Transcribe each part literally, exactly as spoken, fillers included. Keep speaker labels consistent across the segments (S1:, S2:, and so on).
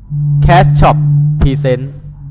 S1: Cash Shop Present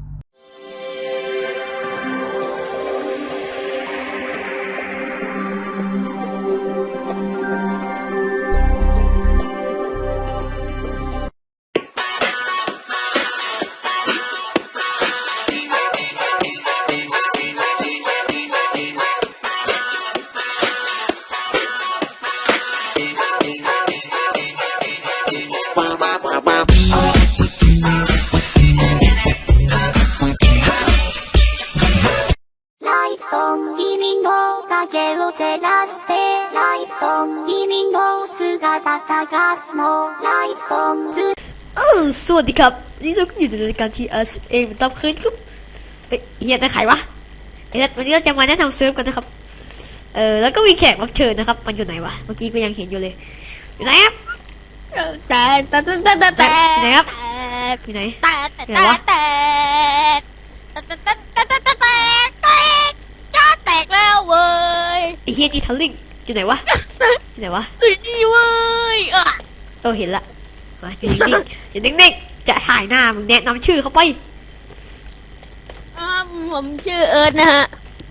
S2: สวัสดีครับนี่เราก็อยู่ในรายการทีเอสเองตามเคยครับเฮ้ยเฮียจะขาย วะเฮ้ยวันนี้เราจะมาแนะนำเซิร์ฟกันนะครับเออแล้วก็มีแขกรับเชิญนะครับมันอยู่ไหนวะเมื่อกี้ก็ยังเห็นอยู่เลยอยู่ไหนครับ
S3: แต่แต่แต่แต่แต่
S2: อยู่ไหนครับอยู่ไหน
S3: แต่แต่แต่แต่แต่แต่แต่แต่แต่แต่จ้าแตกแล้วเว้ย
S2: ไอ้เฮียจีทัลลิงอยู่ไหนวะอยู่ไหนวะ
S3: อุ้ยดีเว้ยอ่ะ
S2: เออเห็นละมาอยู่นิ่งๆอยู่นิ่งๆจะถ่ายหน้ามึงแนะนำชื่อเขาไป
S3: อ่าผมชื่อเอิร์ธนะฮะ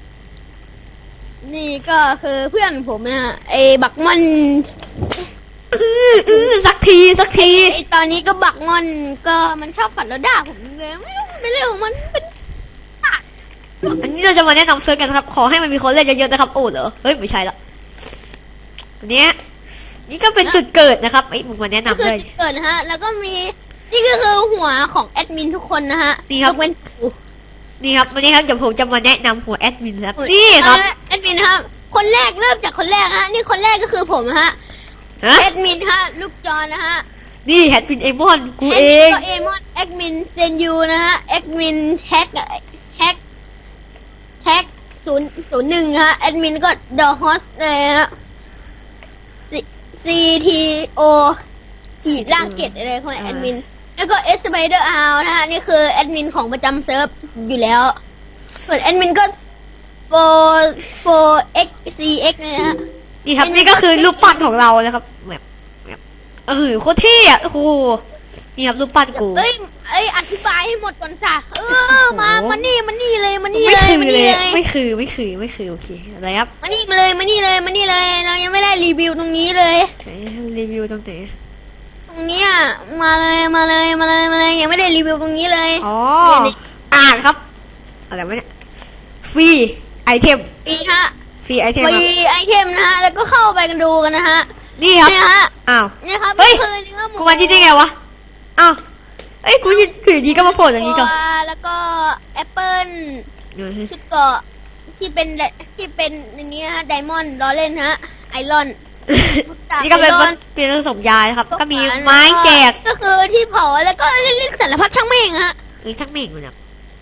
S3: นี่ก็คือเพื่อนผมนะฮะไอ้บักมัน
S2: อืออือสักทีสักที
S3: ไอ้ตอนนี้ก็บักมันก็มันชอบฝันแล้วด่าผมเลยไม่รู้มันเป็นเรื่องของมันเป็น
S2: อันนี้เราจะมาแนะนำเซิร์ฟกันครับขอให้มันมีคนเล่นเยอะๆนะครับโอ้เหรอเฮ้ยไม่ใช่ละอันนี้นี่ก็เป็นจุดเกิดนะครับไอ้มึงมาแนะนำเลย
S3: จุดเกิดนะฮะแล้วก็มีนี่ก็คือหัวของแอดมินทุกคนนะฮะ
S2: นี่ครับ
S3: เป็น
S2: นี่ครับวันนี้ครับเดี๋ยวผมจะมาแนะนำหัวแอดมินครับนี่ครับ
S3: แอดมินครับคนแรกเริ่มจากคนแรกฮะนี่คนแรกก็คือผมฮะแอดมินฮะลูกจอนะฮะ
S2: นี่แอดมินเอมอนกูเอง
S3: เอมอนแอดมินเซนยูนะฮะแอดมินแฮกแฮกแฮกศูนย์ศูนย์หนึ่งฮะแอดมินก็เดอะฮอสเลยฮะซีทีโอขีดล่างเกตอะไรของแอดมินแล้วก็เอสไปเดอร์อาร์นะฮะนี่คือแอดมินของประจำเซิร์ฟอยู่แล้วส่วนแอดมินก็โฟโฟเอ็กซีเอ็กนะฮะ
S2: นี่ครับนี่ก็คือรูปปั้นของเรานะครับแบบแบบเออโคตรเท่อะโอ้โหนี่ครับรูปปั้นกู
S3: เอ้ยเอ้ยอธิบายให้หมดก่อนจ้ะเออมามานี่มานี่เลยมานี่เลย
S2: มานี่เลยไม่คือไม่คือไม่คือโอเคอะไรครับ
S3: มานี่มาเลยมานี่เลยมานี่เลยเรายังไม่ได้รีวิวตรงนี้เลย
S2: รีวิวตรงไหน
S3: ตรงนี้อ่ะมาเลยมาเลยมาเลยมาเลยยังไม่ได้รีวิวตรงนี้เลย
S2: อ๋ออ่านครับอะไรวะเนี่ยฟรีไอเทม
S3: ฟรีฮะ
S2: ฟรีไอเทม
S3: ฟรีไอเทมนะฮะแล้วก็เข้าไปกันดูกันนะฮะ
S2: นี่ครับ
S3: นี่ฮะ
S2: อ้าว
S3: นี่ครับ
S2: เฮ้ยกูมาที่ได้ไงวะอ้าวเอ้ยกูยินคือดีก็มาโผล่อย่างนี้ก่อน
S3: แล้วก็แอปเปิลชุดเกาะที่เป็นที่เป็นอย่างนี้ฮะไดมอนด์ล้อเล่นฮะไอรอน
S2: นี่ก็เป็นเป็นผสมยาครับก็มีไม้แจก
S3: ก็คือที่เผาแล้วก็เล่นสารพัดช่างเม่งฮะ
S2: เอ้ยช่างเม่งเนี่ย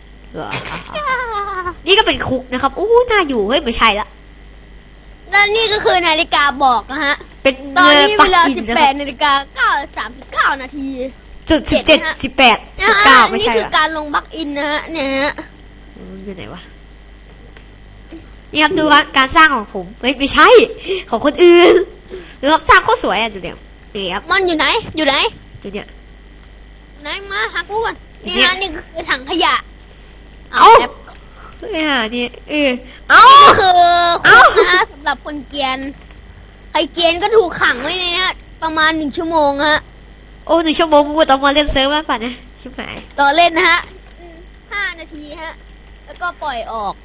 S2: นี่ก็เป็นคุกนะครับอู้น่าอยู่เฮ้ยไม่ใช่ละ
S3: แล้วนี่ก็คือนาฬิกาบอกนะฮะ
S2: เป็น
S3: ตอนนี้เวลาสิบแปดนาฬิกาเก้าสามสิบเก้านาที
S2: จุดสิบเจ็ดสิบแปดสิบเก้าไม่ใช่
S3: นี่คือการลงบักอินนะฮะเนี่ยฮะ
S2: อยู่ไหนวะนี่ครับดูครับการสร้างของผมเฮ้ยไม่ใช่ของคนอื่นหรือครับสร้างโคตรสวยอ่ะดูเดี๋ยวนี่ครับ
S3: มันอยู่ไหนอยู่ไหน
S2: อยู่เนี่ย
S3: ไหนมาหากูก่อนนี่ฮะนี่คือถังขยะ
S2: เอาเนี่ยนี่เออเอา
S3: ก็คือเอานะสำหรับคนเกียนใครเกียนก็ถูกขังไว้ในนี้ประมาณหนึ่งชั่วโมงฮะ
S2: โอ้หนึ่งชั่วโมงกูต้องมาเล่นเซิร์ฟป่ะเนี่ยชิบหาย
S3: ต่อเล่นนะฮะห้านาทีฮะแล้วก็ปล่อยออก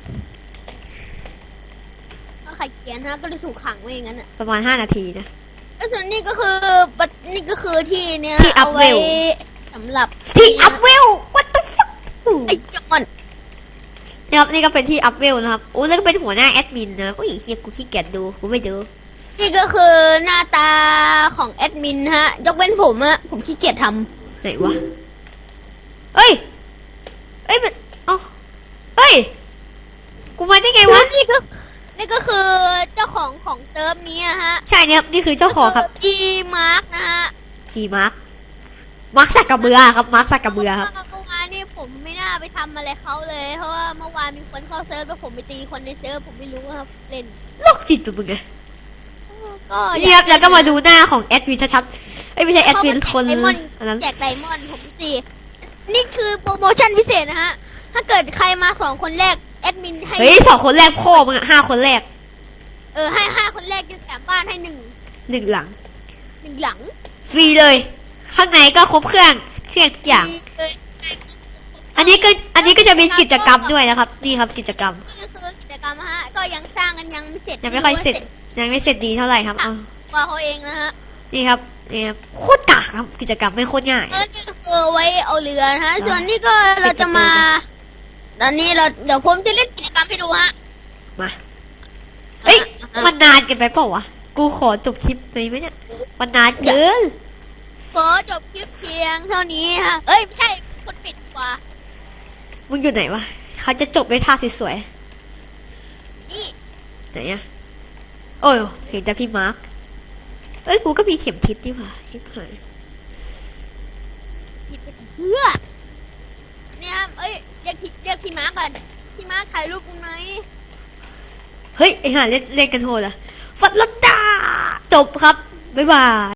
S3: ถ้าใครเกียนฮะก็จะถูกขังไว้อย่างนั้นอ่ะ
S2: ประมาณห้านาทีนะ
S3: แล้วส่วนนี้ก็คือนี่ก็คือที่เนี่ย
S2: ที่อัพเวล
S3: สำหรับ
S2: ที่อัพเวล what the fuck
S3: ไอ้จอน
S2: นี่ครับนี่ก็เป็นที่อัพเวลนะครับโอ้แล้วก็เป็นหัวหน้าแอดมินนะโอ้ยเฮียกูขี้เกียจดูกูไม่ดู
S3: นี่ก็คือหน้าตาของแอดมินฮะยกเว้นผมอะผมขี้เกียจท
S2: ำไหนวะเอ้ยเอ้ยมันอ๋อเอ้ยกูมาได้ไงวะ
S3: นี่ก็นี่ก็คือเจ้าของของเซิร์ฟนี้ฮะ
S2: ใช่เนี่ยนี่คือเจ้าของครับ
S3: G Mark นะฮะ
S2: G Mark มาร์คสักกระเบือครับมาร์คสักกระเบือครับ
S3: เมื่อวานนี่ผมไม่น่าไปทำอะไรเขาเลยเพราะว่าเมื่อวานมีคนเข้าเซิร์ฟแล้วผมไปตีคนในเซิร์ฟผมไม่รู้ครับเล่น
S2: โรคจิตตัวมึงไงเรียบแล้วก็มาดูหน้าของแอดมินชัดๆไอ้ไม่ใช่แอดมินคน
S3: นั้นแจกไดมอนด์ผมสินี่คือโปรโมชั่นพิเศษนะฮะ ถ้าเกิดใครมาสองคนแรกแอดมินให้
S2: เฮ้ยสองคนแรกพ่อมึงอะห้าคนแรก
S3: เออให้ห้าคนแรกจะแถมบ้านให้หนึ่ง
S2: หนึ่งหลัง
S3: หนึ่งหลัง
S2: ฟรีเลย ข้างในก็ครบเครื่องเครื่องทุกอย่าง
S3: มีเลย
S2: อันนี้ก็อันนี้ก็จะมีกิจกรรมด้วยนะครับ นี่ครับกิจกรรม
S3: นี่ก็คือกิจกรรมฮะ ก็ยังสร้างกันยังไม่เสร็จ
S2: ยังไม่ค่อยเสร็จ ยังไม่เสร็จดีเท่าไหร่ครับเอา
S3: กว่าเขาเองนะฮะ
S2: นี่ครับนี่ครับโคตรกากครับกิจกรรมไม่โคตรง่าย
S3: เออนี่ก็คือไว้เอาเรือนะฮะ
S2: อ่า
S3: ส่วนนี้ก็เราจะมาตอนนี้เราเดี๋ยวผมจะเล่นกิจกรรมให้ดูฮะ
S2: มาเอ้ย
S3: อ่ะ
S2: มันนานเกันไปเปล่าวะกูขอจบคลิปเลยไหมเนี่ยมันนานเกิน
S3: ขอจบคลิปเพียงเท่านี้ฮะ เอ้ยไม่ใช่คนปิดดีกว่า
S2: มึงอยู่ไหนวะเขาจะจบด้วยท่าสวย
S3: นี่
S2: ๆไหนอะโอ้ยเห็นแต่พี่มาร์คเอ้ยกูก็มีเข็มทิศนี่หว่าชิบหาย
S3: ผิดไปเพื่อเนี่ยครับเอ้ยเรียกพี่เรียกพี่มาร์กก่อนพี่มาร์กถ่ายรูปกูไหม
S2: เฮ้ยไอ้ห่าเล่นเล่นกันโหดอะฟัดลัดดาจบครับบ๊ายบาย